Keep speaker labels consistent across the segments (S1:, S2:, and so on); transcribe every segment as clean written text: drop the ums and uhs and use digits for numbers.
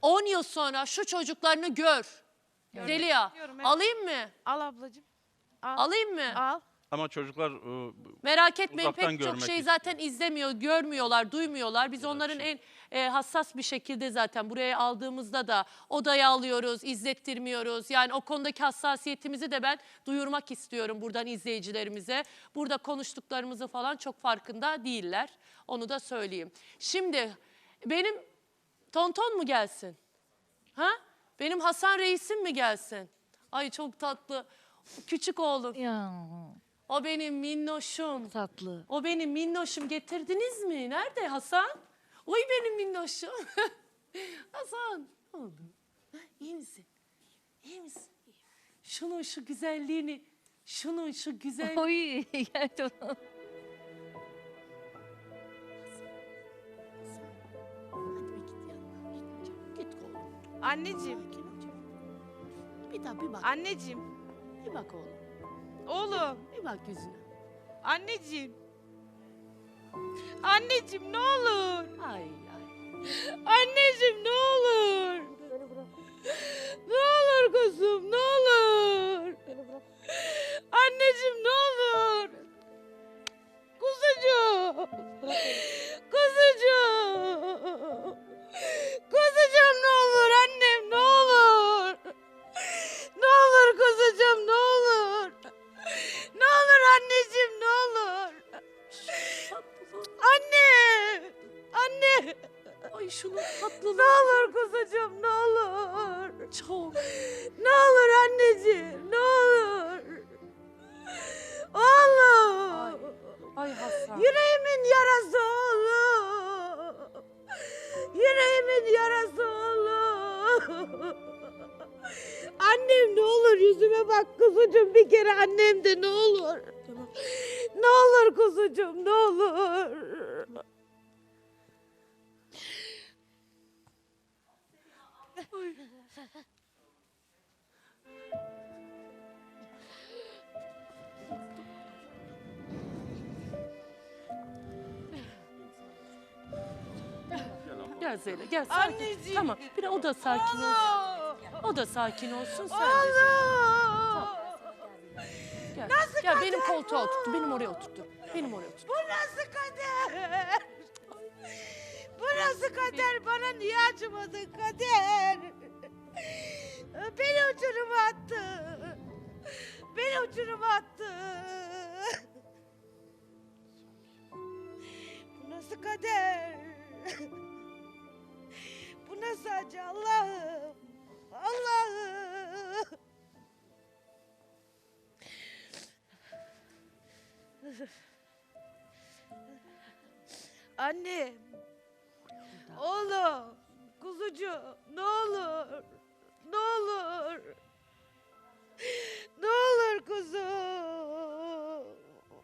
S1: 10 yıl sonra şu çocuklarını gör. Zeliha,
S2: evet.
S1: alayım mı?
S2: Al ablacığım. Al.
S1: Alayım mı?
S2: Al.
S3: Ama çocuklar
S1: Merak etmeyin,
S3: uzaktan
S1: pek çok
S3: görmek
S1: şey
S3: istiyor.
S1: zaten izlemiyor, görmüyorlar, duymuyorlar. Biz onların en hassas bir şekilde zaten buraya aldığımızda da odaya alıyoruz, izlettirmiyoruz. Yani o konudaki hassasiyetimizi de ben duyurmak istiyorum buradan izleyicilerimize. Burada konuştuklarımızı falan çok farkında değiller. Onu da söyleyeyim. Şimdi benim tonton mu gelsin? Ha? Benim Hasan reisim mi gelsin? Ay çok tatlı. Küçük oğlum.
S4: Ya
S1: O benim minnoşum.
S4: tatlı.
S1: O benim minnoşum. Getirdiniz mi? Nerede Hasan? Oy benim minnoşum. Hasan. Ne oldu? Ha, İyi misin? İyi misin? Şunun şu güzelliğini, şunun şu güzel...
S4: Oy gerçekten.
S1: Hadi bir git yanına. Git oğlum.
S2: Anneciğim.
S1: Sakin ol canım. Bir daha bir bak.
S2: Anneciğim.
S1: Bir bak oğlum.
S2: Oğlum.
S1: Bir bak yüzüne.
S2: Anneciğim. Anneciğim ne olur.
S1: Ay ay.
S2: Anneciğim ne olur. Ne olur kuzum ne olur. Anneciğim ne olur. Kuzucuğum. Kuzucuğum. Kuzucuğum ne olur annem ne olur. Ne olur kuzucuğum ne olur. Ne olur anneciğim ne olur. Anne. Anne.
S1: Ay şunun tatlılığı.
S2: Ne olur kuzucuğum ne olur.
S1: Çok.
S2: Ne olur anneciğim ne olur. Oğlum.
S1: Ay Hasan.
S2: Yüreğimin yarası oğlum. Yüreğimin yarası oğlum. Annem ne olur yüzüme bak kuzucuğum bir kere annem de ne olur.
S1: Tamam.
S2: Ne olur kuzucuğum ne olur.
S1: Gel Zeynep gel sakin.
S2: Anneciğim.
S1: Tamam bir de o da sakin olsun.
S2: Oğlum.
S1: O da sakin olsun sen de.
S2: Oğlum.
S1: Gel.
S2: Nasıl
S1: Gel
S2: kader
S1: benim koltuğa
S2: bu?
S1: oturttu. Benim oraya oturttu. Benim oraya oturttu.
S2: Bu nasıl kader? Bu nasıl kader? Bana niye acımadın kader? Beni uçuruma attı. Beni uçuruma attı. Bu nasıl kader? Bu nasıl acı Allah'ım? Allah'ım. Anne. Oğlum. Kuzucuğum. Ne olur. Ne olur. Ne olur kuzum.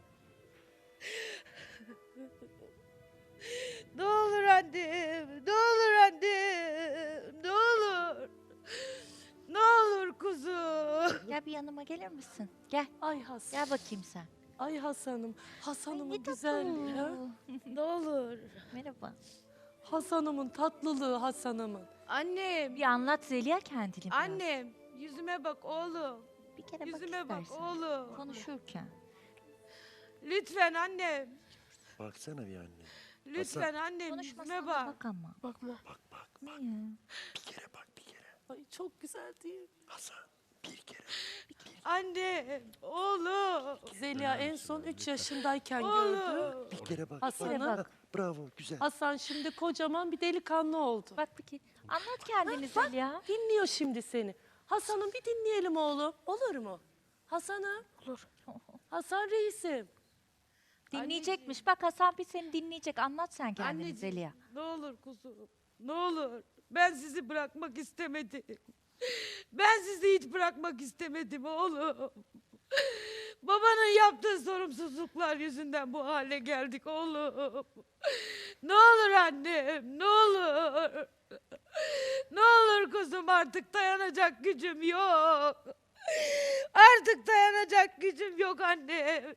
S2: Ne olur annem. Ne olur annem. Ne olur. Ne olur kuzum.
S4: Gel bir yanıma gelir misin? Gel.
S1: Ay Hasan.
S4: Gel bakayım sen.
S1: Ay Hasan'ım. Hasan'ımın
S4: Ne tatlı.
S1: güzelliği. Ha?
S2: Ne olur.
S4: Merhaba.
S1: Hasan'ımın tatlılığı Hasan'ımın.
S2: Annem.
S4: Bir anlat Zeliha kendini biraz.
S2: Annem. Yüzüme bak oğlum.
S4: Bir kere
S2: Yüzüme
S4: bak
S2: bak
S4: istersen.
S2: oğlum.
S4: Konuşurken.
S2: Lütfen annem.
S5: Baksana bir anne.
S2: Lütfen annem
S4: Konuşmasana
S2: yüzüme bak.
S4: bak ama.
S1: Bakma.
S5: Bak bak
S4: Ne
S5: bak.
S4: ya?
S5: Bir kere bak bir kere.
S1: Ay çok güzel değil mi?
S5: Hasan bir kere.
S2: Anne, oğlum.
S1: Zeliha en son 3 yaşındayken gördü.
S2: Oğlum.
S5: Bir kere bak.
S1: Hasan'ı.
S5: Bak. Bravo güzel.
S1: Hasan şimdi kocaman bir delikanlı oldu.
S4: Bak bakayım. Anlat kendini Zeliha.
S1: Dinliyor şimdi seni. Hasan'ım bir dinleyelim oğlum. Olur mu? Hasan'ım.
S4: Olur.
S1: Hasan reisim.
S4: Dinleyecekmiş. Bak Hasan bir seni dinleyecek. Anlat sen kendini
S2: Anneciğim,
S4: Zeliha.
S2: ne olur kuzum. Ne olur. Ben sizi bırakmak istemedim. Ben sizi hiç bırakmak istemedim oğlum. Babanın yaptığı sorumsuzluklar yüzünden bu hale geldik oğlum. Ne olur annem, ne olur. Ne olur kuzum artık dayanacak gücüm yok. Artık dayanacak gücüm yok annem.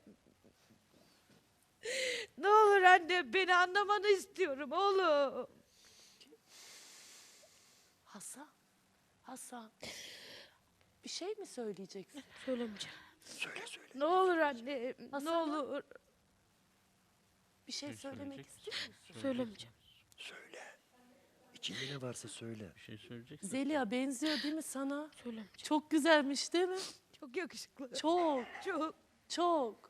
S2: Ne olur anne beni anlamanı istiyorum oğlum.
S1: Hasan. Hasan. Bir şey mi söyleyeceksin?
S2: Söylemeyeceğim.
S5: Söyle söyle.
S2: Ne olur anne, ne
S1: Hasan.
S2: olur.
S1: Bir şey söylemek istiyor musun?
S2: Söylemeyeceğim.
S5: Söyle. İçinde ne varsa söyle.
S3: Bir şey söyleyeceksin.
S1: Zeliha benziyor değil mi sana?
S2: Söylemeyeceğim.
S1: Çok güzelmiş değil mi?
S2: Çok yakışıklı.
S1: Çok,
S2: Çok.
S1: çok.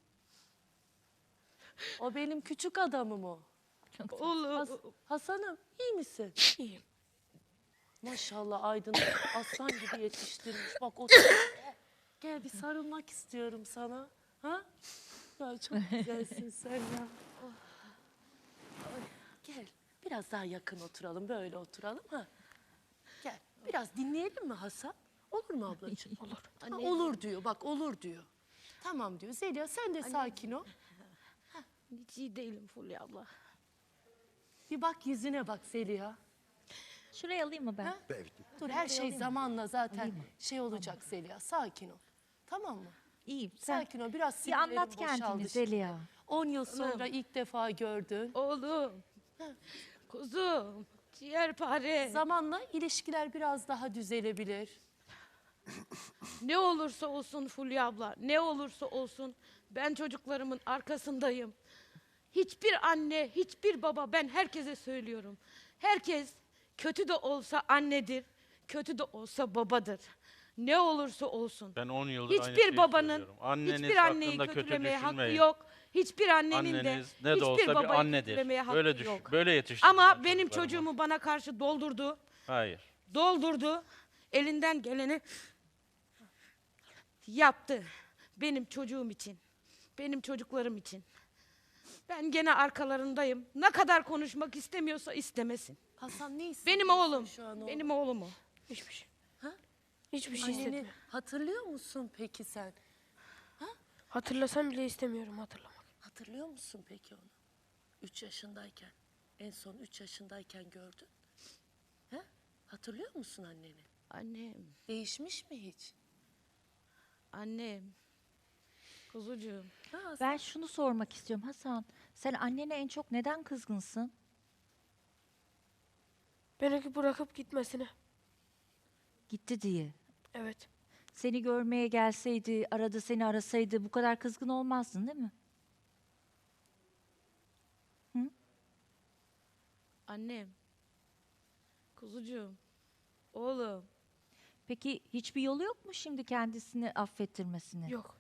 S1: O benim küçük adamım o.
S2: Olur.
S1: Hasan'ım iyi misin?
S2: İyiyim.
S1: Maşallah Aydın aslan gibi yetiştirmiş. Bak o gel bir sarılmak istiyorum sana. Ha? Ya çok güzelsin sen ya. Oh. Ay, gel biraz daha yakın oturalım böyle oturalım ha. Gel biraz dinleyelim mi Hasan? Olur mu ablacığım? Olur. Ha, olur diyor bak olur diyor. Tamam diyor. Zeliha sen de sakin ol.
S2: Hiç iyi değilim Fulya abla.
S1: Bir bak yüzüne bak Zeliha.
S4: Şuraya alayım mı ben?
S1: Ha?
S5: Evet.
S1: Dur her şey zamanla zaten şey olacak Zeliha. Sakin ol. Tamam mı?
S4: İyiyim. Sen
S1: Sakin ol. Biraz
S4: bir
S1: sinirlerin
S4: anlat kendini
S1: boşaldı şimdi.
S4: Zeliha.
S1: 10 yıl sonra ilk defa gördün.
S2: Oğlum. Kuzum. Ciğerpare.
S1: Zamanla ilişkiler biraz daha düzelebilir.
S2: Ne olursa olsun Fulya abla, ne olursa olsun ben çocuklarımın arkasındayım. Hiçbir anne, hiçbir baba, ben herkese söylüyorum. Herkes kötü de olsa annedir, kötü de olsa babadır. Ne olursa olsun.
S3: Ben 10 yıldır aynı şeyi
S2: Hiçbir babanın,
S3: söylüyorum. Anneniz
S2: hiçbir anneyi
S3: hakkında kötü
S2: kötülemeye hakkı
S3: düşünmeyin.
S2: yok. Hiçbir annenin de
S3: Anneniz ne de
S2: hiçbir
S3: olsa bir
S2: babayı
S3: annedir.
S2: kötülemeye hakkı
S3: Böyle düşün,
S2: yok.
S3: böyle yetiştirdim
S2: Ama
S3: ben
S2: benim
S3: çocuklarımı.
S2: çocuğumu bana karşı doldurdu.
S3: Hayır.
S2: Doldurdu. Elinden geleni yaptı. Benim çocuğum için. Benim çocuklarım için. Ben gene arkalarındayım. Ne kadar konuşmak istemiyorsa istemesin.
S1: Hasan ne hissediyorsun
S2: Benim oğlum.
S1: şu an oğlum?
S2: Benim oğlum o. Hiçbir şey.
S1: Ha?
S2: Hiçbir şey
S1: Anneni
S2: istemiyorum.
S1: hatırlıyor musun peki sen?
S6: Hatırlasam bile istemiyorum hatırlamak.
S1: Hatırlıyor musun peki onu? 3 yaşındayken. En son 3 yaşındayken gördün. He? Hatırlıyor musun anneni?
S2: Annem.
S1: Değişmiş mi hiç?
S2: Annem. Kuzucuğum.
S1: Ha, Hasan?
S4: Ben şunu sormak istiyorum Hasan. Sen annene en çok neden kızgınsın?
S6: Beni bırakıp gitmesine.
S4: Gitti diye.
S6: Evet.
S4: Seni görmeye gelseydi, arada seni arasaydı bu kadar kızgın olmazdın değil mi?
S2: Annem. Kuzucuğum. Oğlum.
S4: Peki hiçbir yolu yok mu şimdi kendisini affettirmesini?
S6: Yok.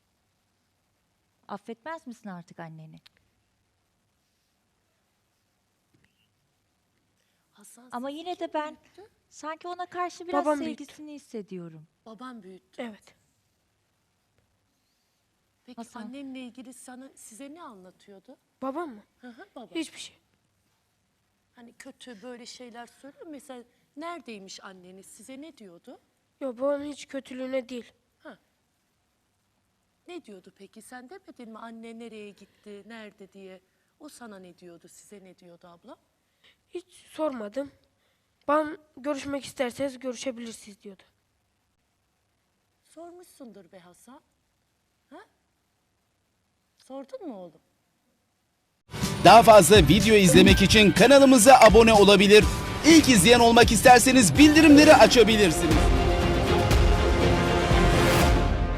S4: Affetmez misin artık anneni?
S1: Hasan
S4: Ama
S1: sizi
S4: yine
S1: kim
S4: de ben
S1: büyüttü?
S4: sanki ona karşı biraz
S6: Babam büyüttü.
S4: sevgisini hissediyorum.
S1: Babam büyüttü.
S6: Evet.
S1: Peki
S4: Hasan.
S1: annenle ilgili size ne anlatıyordu?
S6: Babam mı?
S1: Hı hı, baba.
S6: Hiçbir şey.
S1: Hani kötü böyle şeyler söylüyor mu? Mesela neredeymiş anneniz? Size ne diyordu?
S6: Yok babamın hiç kötülüğüne değil.
S1: Ne diyordu peki? Sen demedin mi anne nereye gitti, nerede diye? O sana ne diyordu, size ne diyordu abla?
S6: Hiç sormadım. Babam görüşmek isterseniz görüşebilirsiniz diyordu.
S1: Sormuşsundur be Hasan. Ha? Sordun mu oğlum?
S7: Daha fazla video izlemek için kanalımıza abone olabilir. İlk izleyen olmak isterseniz bildirimleri açabilirsiniz.